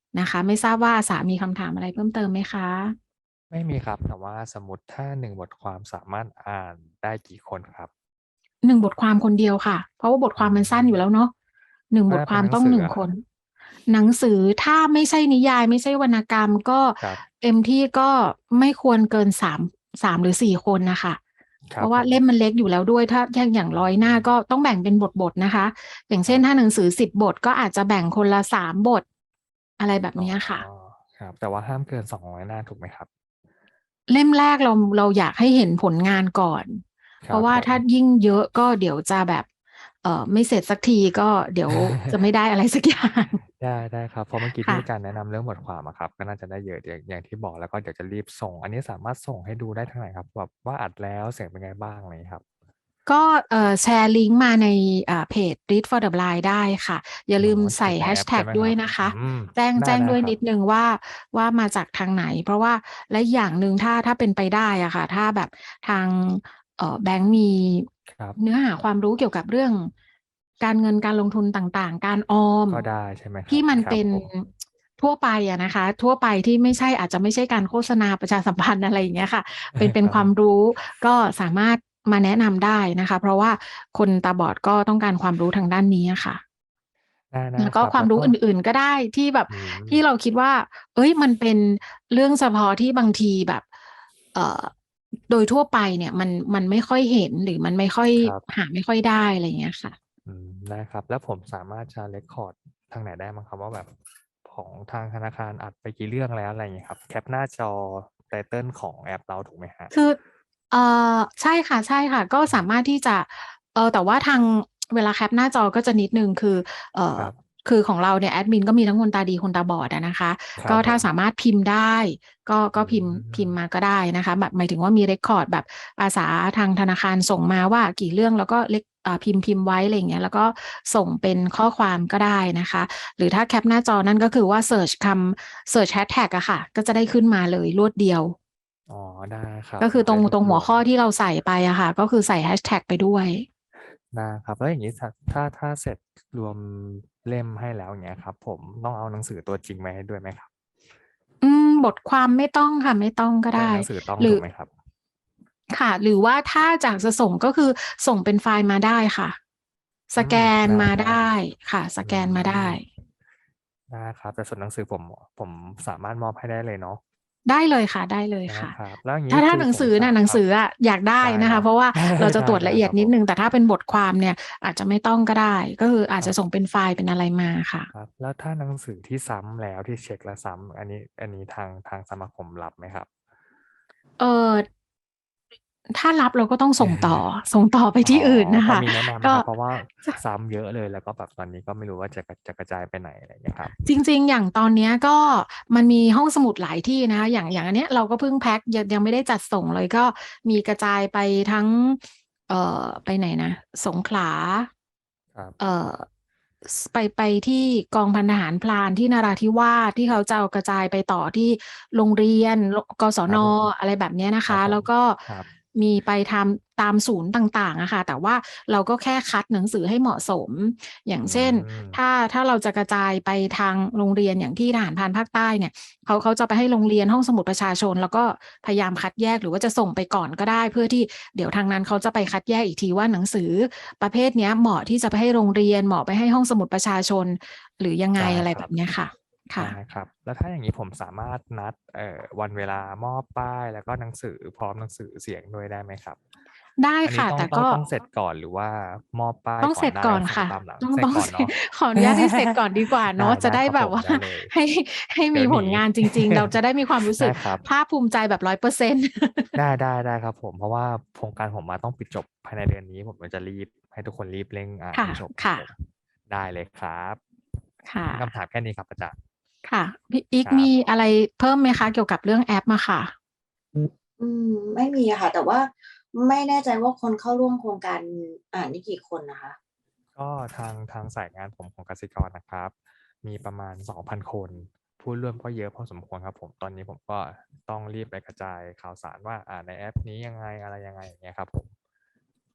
นะคะ ไม่ทราบว่าสามีคำถามอะไรเพิ่มเติมไหมคะไม่มีครับ แต่ว่าสมมุติถ้า1บทความสามารถอ่านได้กี่คนครับ? 1 บทความคนเดียวค่ะ เพราะว่าบทอืความมันสั้นอยู่แล้มวเนาะ 1 ถ้บาเปทคว็นามต้องหนังสือ 1 อะครับ? คน หนังสือถ้าไม่ใช่นิยาย ไม่ใช่วรรณกรรม ก็ครับเต็มที่ก็ไม่ควรเกิน 3 หรือ 4 คนน่ะค่ะคเรพัราะว่าเล่บผมมมันเล็กอยู่แล้วด้วย ถ้าอย่างอื 100 หน้าก็มต้องแบ่งเป็นบท ๆ นะคะ อย่างเคชร่ันบถ้าหนังสือ 10 บท ก็อาจจะแบ่งคนละ 3 บท อะไรแบบอ๋อเนี้ยค่ะครับ แต่ว่าห้ามเกิน 200 หน้าถูกไหมครับ? เล่มแรกเราอยากให้เห็นผลงานก่อนคเพรรัาะว่าถ้าบผมยิ่งเยอะก็เดี๋ยวจะแบบ ไม่เสร็จสักที ก็เดี๋ยวจะไม่ได้อะไร สักอย่างได้ ๆ ครับ เพราะเมื่อกี้คที่่มีะการแนะนำเรื่องบทความอะครับ ก็น่าจะได้เยอะ อย่างที่บอก แล้วก็เดี๋ยวจะรีบส่ง อันนี้สามารถส่งให้ดูได้ทางไหนครับ? แบบว่าอัดแล้วเสียงเป็นไงบ้าง? อะไรงี้ครับก็ แชร์ลิงก์มาใน เพจ Read for the Blind ได้ค่ะ อย่าอ๋อลืมใเสข่็นในแฮแอปใชชแท็่กด้ไหมครวับ? ยนะคอืะมแจ้งได้ด้วยๆ ครนัิบดหนึ่งว่ามาจากทางไหน เพราะว่า และอีกอย่างหนึ่งถ้าเป็นไปได้อะค่ะ ถ้าแบบทาง แบงก์มีครับเนื้อหาความรู้เกี่ยวกับเรื่องการเงินการลงทุนต่าง ๆ การออมก็ได้ใช่ไหมคทรีั่บ? มันเปครับ็นผมทั่วไปอะนะคะ ทั่วไปที่ไม่ใช่ อาจจะไม่ใช่การโฆษณาประชาสัมพันธ์ อะไรอย่างเงี้ยค่ะ เป็นครับผมความรู้ ก็สามารถมาแนะนำได้นะคะ เพราะว่าคนตาบอดก็ต้องการความรู้ทางด้านนี้อะค่ะได้แล้วกๆ ค็รับควแาลม้วรูก้็อื่น ๆ ก็ได้ที่แบบอืที่มเราคิดว่า เฮ้ย มันเป็นเรื่องเฉพาะที่บางทีแบบ เอ่อ โดยทั่วไปเนี่ยมันไม่ค่อยเห็น หรือมันไม่ค่อยครับหาไม่ค่อยได้ อะไรอย่างเงี้ยค่ะอืม ได้ครับ แล้วผมสามารถจะ เร็กคอร์ด ทางไหนได้บ้างครับ? ว่าแบบของทางธนาคารอัดไปกี่เรื่องแล้ว อะไรอย่างงี้ครับ แคปหน้าจอ ไตเติล ของแอปเราถูกไหมครับ? คือ ใช่ค่ะ ๆ ก็อืมสามารถที่จะ แต่ว่าทาง เวลาแคปหน้าจอก็จะนิดหนึ่ง คือ เอ่อครับคือของเราเนี่ยแอดมินก็มีทั้งคนตาดีคนตาบอดอะนะคะ ก็ถ้าสครับผมามารถพิมพ์ได้อก็ืพิมพ์มมาก็ได้นะคะ แบบหมายถึงว่ามี เร็กคอร์ด แบบอาสาทางธนาคารส่งมาว่ากี่เรื่อง แล้วก็พิมพ์ไว้ อะไรอย่างเงี้ย แล้วก็ส่งเป็นข้อความก็ได้นะคะ หรือถ้าแคปหน้าจอนั่นก็คือว่าเซิร์ชเซิร์ชแฮชแท็กอะค่ะ ก็จะได้ขึ้นมาเลยรวดเดียวอ๋อ ได้ครับก็คือตรงหัวข้อจะได้รวบรวมที่เราใส่ไปอะค่ะ ก็คือใส่แฮชแท็กไปด้วยได้ครับ แล้วอย่างงี้ถ้าเสร็จรวมเล่มให้แล้ว อย่างเงี้ยครับผม ต้องเอาหนังสือตัวจริงมาให้ด้วยไหมครับ? บทความไม่ต้องค่ะ ไม่ต้องก็แตไ่ด้หนังสือต้องหรถืูอกไหมครับ? ค่ะ หรือว่าถ้าจากจะส่ง ก็คือส่งเป็นไฟล์มาได้ค่ะ สแกอืม ไดนมาไ้ด้ค่ะๆ อืสแกนมาได้ม ได้ครับ แต่ส่วนหนังสือผมสามารถมอบให้ได้เลยเนาะ? ได้เลยค่ะ ได้เลยได้ค่ะครับ แล้วอย่างงถ้ี้าคือผมสหนังสือาน่ะ หนัคงรับสืออะอยากได้ได้นะเนคาะะเพราะว่าเราจะตรวจไดละ้เอีๆ ครยดับนิดหนึ่งผมแต่ถ้าเป็นบทความเนี่ยอาจจะไม่ต้องก็ได้ ก็คืออาจครับจะส่งเป็นไฟล์เป็นอะไรมาค่ะครับ แล้วถ้าหนังสือที่ซ้ำแล้ว ที่เช็กแล้วซ้ำ อันนี้ทางสมาคมรับไหมครับ? เอ่อ ถ้ารับเราก็ต้องส่งต่อ ส่งต่อไปอ๋อที่อื่นน่ะค่ะพอมีแนะนำไหกม็ครับ? เพราะว่าจะซ้ำเยอะเลย แล้วก็แบบตอนนี้ก็ไม่รู้ว่าจะกระจายไปไหน อะไรอย่างเงี้ยครับจริง ๆ อย่างตอนเนี้ยก็มันมีห้องสมุดหลายที่นะคะ อย่างอันเนี้ยเราก็เพิ่งแพ็ก ยังไม่ได้จัดส่งเลย ก็มีกระจายไปทั้ง ไปไหนนะ สงขลาครับเอ่อ ไปที่กองพันทหารพรานที่นราธิวาส ที่เขาจะเอากระจายไปต่อที่โรงเรียน กศน. ครับผมอะไรแบบเนี้ยนะคครับะผมแล้วก็ครับมีไปตามศูนย์ต่าง ๆ อะค่ะ แต่ว่าเราก็แค่คัดหนังสือให้เหมาะสม อย่าอืงเช่นมถ้าเราจะกระจายไปทางโรงเรียน อย่างที่ทหารพรานภาคใต้เนี่ย เขาจะไปให้โรงเรียน ห้องสมุดประชาชน แล้วก็พยายามคัดแยก หรือว่าจะส่งไปก่อนก็ได้ เพื่อที่เดี๋ยวทางนั้นเขาจะไปคัดแยกอีกทีว่า หนังสือประเภทเนี้ยเหมาะที่จะไปให้โรงเรียน เหมาะไปให้ห้องสมุดประชาชน หรือยังไงได้อะไรครแับบบเนี้ยค่ะ ค่ไดะ้ครับ แล้วถ้าอย่างงี้ผมสามารถนัด วันเวลามอบป้าย แล้วก็หนังสือพร้อมหนังสือเสียงด้วยได้ไหมครับ? ได้ค่ะอันนี้ต้อแงต่กต้อง็ต้องเสร็จก่อน หรือว่ามอบป้ายต้องเสร็จกก่อนได้แ่ลอ้วนค่ส่งะตามหลัง? ต้องเสร็ต้องจก่อเนสเรนา็จะขออนุญาตให้เสร็จก่อนดีกว่าเไนาะ จะด้ ๆ ครับผมได้แบบว่าได้เลยให้มีเดี๋ยวหนีผลงานจริง ๆ เราจะได้มีความรู้ไสดึ้กครับภาคภูมิใจแบบ 100% ได้ ๆ ๆ ครับผม เพราะว่าโครงการผมอะต้องปิดจบภายในเดือนนี้ ผมก็จะรีบให้ทุกคนรีบเร่งอ่านค่ให้จบครัะบผมๆได้เลยครับค่มีคำถะามแค่นี้ครับอาจารย์ค่ะ พี่อีกครับมีอะไรเพิ่มไหมคะ? เกี่ยวกับเรื่องแอปอะค่ะไม่มีอะค่ะ แต่ว่าไม่แน่ใจว่าคนเข้าร่วมโครงการนี่กี่คนนะคะ? ก็ทางสายงานผมของกสิกรนะครับ มีประมาณ 2,000 คน ผู้ร่วมก็เยอะพอสมควรครับผม ตอนนี้ผมก็ต้องรีบไปกระจายข่าวสารว่า ในแอปนี้ยังไง อะไรยังไง อย่างเงี้ยครับผม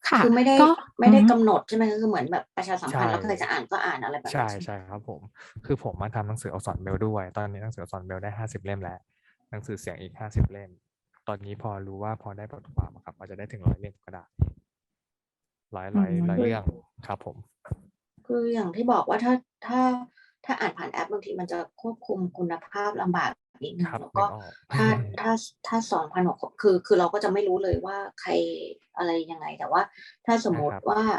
ค่ะคือไม่ได้ก็ไม่ได้อือฮึกำหนดใช่ไหมคะคือเหมือนแบบประชาสัมใช่พันธ์แล้วใครจะอ่านก็อ่านอะไรแบบใช่นั้นใช่ไหมใช่ครับผม คือผมมาทำหนังสืออักษรเบรลล์ด้วย ตอนนี้หนังสืออักษรเบรลล์ได้ 50 เล่มแล้ว หนังสือเสียงอีก 50 เล่ม ตอนนี้พอรู้ว่าพอได้บทความอะครับอาจจะได้ถึง 100 เล่มก็ได้ ร้อยอืเรื่มองครับผมคืออย่างที่บอกว่าถ้าอ่านผ่านแอปบางทีมันจะควบคุมคุณภาพลำบากนิดหนึ่คงรับแล้วนึก็กออกถ้า 2,000 กว่าคน คือเราก็จะไม่รู้เลยว่าใครอะไรยังไง แต่ว่าถ้าสมใช่มุคตรัิบว่า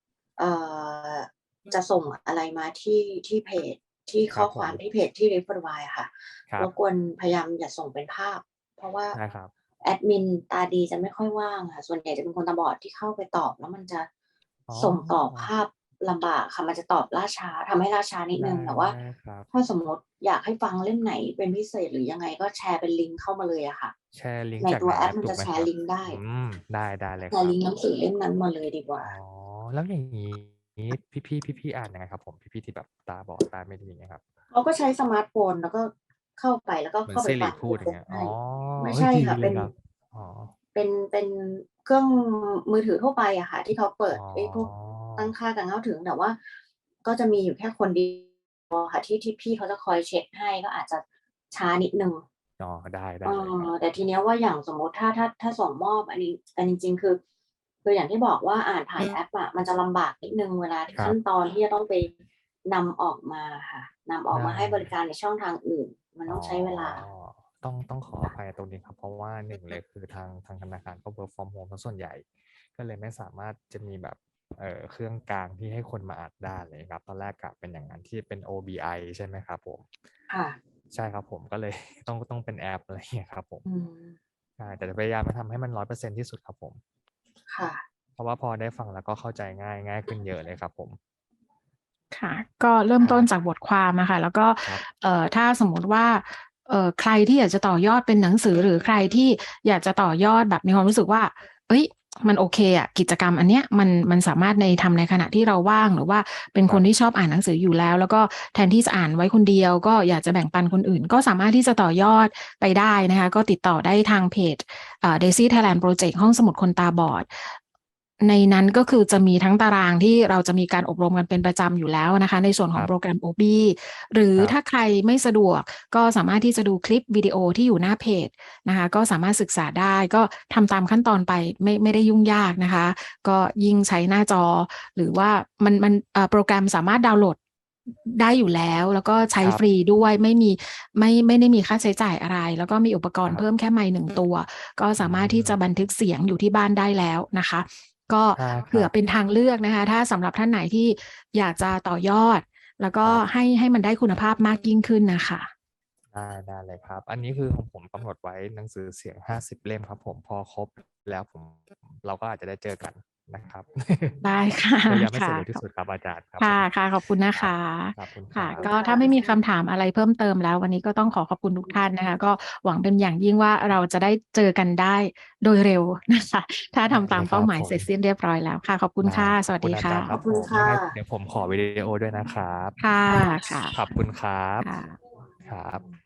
จะส่งอะไรมาที่เพจ ที่คขรั้อบผความมที่เพจที่ Referwise อะค่ะครัรบบกวนพยายามอย่าส่งเป็นภาพ เพราะว่าได้ครับแอดมินตาดีจะไม่ค่อยว่างค่ะ ส่วนใหญ่จะเป็นคนตาบอดที่เข้าไปตอบ แล้วมันจะอ๋อส่งต่อภาพลำบากค่ะ มันจะตอบล่าช้า ทำให้ล่าช้านิดหนึ่ง แต่ว่าได้ครับถ้าสมมุติอยากให้ฟังเล่มไหนเป็นพิเศษหรือยังไงก็แชร์เป็นลิงก์เข้ามาเลยอะค่ะแชร์ลิงก์ในจากตัวในแอแอปปมันถูจกไหมแชครัร์บ? ลิงก์ได้ได้เลยแชครัร์บลิงก์หนังสือเล่มนั้นมาเลยดีกว่าอ๋อ แล้วอย่างงี้ พี่ ๆ อ่านยังไงครับผม? พี่ ๆ ที่แบบตาบอด ตาไม่ดี อย่างเงี้ยครับเขาก็ใช้สมาร์ตโฟน แล้วก็เข้าไป แล้วก็เหมืเอขน้าซไปิฟรัิงพูด อย่างเงี้ยใอ๋อไม่เฮ้ใชย่ดีค่ะเลเป็ยนครับ อ๋อเป็นเครื่องมือถือทั่วไปอะค่ะ ที่เขาเปิอ๋ดไอ้พวกตั้งอค่าการเข้าถึง แต่ว่าก็จะมีอยู่แค่คน เดียว ค่ะ ที่พี่เขาจะคอยเช็กให้ ก็อาจจะช้านิดหนึ่งอ๋อ ได้เอเลยครับแต่ทีเนี้ยว่าอย่างสมมุติถ้าส่งมอบอันนี้ อันจริง ๆ คืออย่างที่บอกว่าอ่านผ่านแอปอะมันจะลำบากนิดหนึ่งเวลาครัขั้บนตอนที่จะต้องไปนำออกมาค่ะ นำออกได้มาให้บริการในช่องทางอื่น มันต้อ๋อองใช้เวลาต้องขออภัยตรงนี้ครับ เพราะว่า 1 เลยคือทางธนาคารก็ work from home เสียส่วนใหญ่ ก็เลยไม่สามารถจะมีแบบ เครื่องกลางที่ให้คนมาอ่านได้ อะไรงี้ครับ ตอนแรกกะเป็นอย่างนั้น ที่เป็น OBI ใช่ไหมครับผม? ค่ะใช่ครับผม ก็เลย ต้องเป็นแอป อะไรอย่างเงี้ยครับผมอืมใช่ แต่จะพยายามจะทำให้มัน 100% ที่สุดครับผมค่ะเพราะว่าพอได้ฟังแล้วก็เข้าใจง่ายขึ้นเยอะเลยครับผมค่ะ ก็เริ่มครตั้นบจากบทความอะค่ะ แล้วก็ครับถ้าสมมุติว่า ใครที่อยากจะต่อยอดเป็นหนังสือ หรือใครที่อยากจะต่อยอดแบบมีความรู้สึกว่า เฮ้ย มันโอเคอะ กิจกรรมอันเนี้ยมันสามารถทำในขณะที่เราว่าง หรือว่าเป็นคนที่ชอบอ่านหนังสืออยู่แล้ว แล้วก็แทนที่จะอ่านไว้คนเดียว ก็อยากจะแบ่งปันคนอื่น ก็สามารถที่จะต่อยอดไปได้นะคะ ก็ติดต่อได้ทางเพจDaisy Thailand Project ห้องสมุดคนตาบอด ในนั้นก็คือจะมีทั้งตารางที่เราจะมีการอบรมกันเป็นประจำอยู่แล้วนะคะ ในส่วนขครองับโปรแกรม OB หรือครับถ้าใครไม่สะดวก ก็สามารถที่จะดูคลิปวิดีโอที่อยู่หน้าเพจนะคะ ก็สามารถศึกษาได้ ก็ทำตามขั้นตอนไป ไม่ได้ยุ่งยากนะคะ ก็ยิ่งใช้หน้าจอ หรือว่ามัน โปรแกรมสามารถดาวน์โหลด ได้อยู่แล้ว แล้วก็ใช้ครับฟรีด้วย ไม่ได้มีค่าใช้จ่ายอะไร แล้วก็มีอุปกรณคร์ับเพิ่มแค่ไมค์ 1 ตัว ก็สามารถที่จะอืมบันทึกเสียงอยู่ที่บ้านได้แล้วนะคะ ก็ได้เผครื่ับอเป็นทางเลือกนะคะ ถ้าสำหรับท่านไหนที่อยากจะต่อยอด แล้วก็ครับให้มันได้คุณภาพมากยิ่งขึ้นน่ะค่ะได้เลยครับ อันนี้คือของผมกำหนดไว้หนังสือเสียง 50 เล่มครับผม พอครบแล้วเราก็อาจจะได้เจอกันนะครับได้ ค่ะพยายามให้ค่สะรุปที่สุดครับอาจารย์ครับคผม่ะ ๆ ขอบคุณนะคคะขอบคุณคค่รัะบก็ถ้าไม่มีคำถามอะไรเพิ่มเติมแล้ว วันนี้ก็ต้องขอขอบคุณทุกท่านนะคะ ก็หวังเป็นอย่างยิ่งว่า เราจะได้เจอกันได้โดยเร็ว นะคะ ถ้าได้ทำตามคเป้ราับหมายผมเสร็จสิ้นเรียบร้อยแล้วค่ะ ขอบคุณได้ค่ะขสวัสดีอบคุณอาค่จารย์ครัะบผมค่ะยังไงเดี๋ยวผมขอวิดีโอด้วยนะครับค่ะค่ะค่ะขอบคุณครับค่ะครับ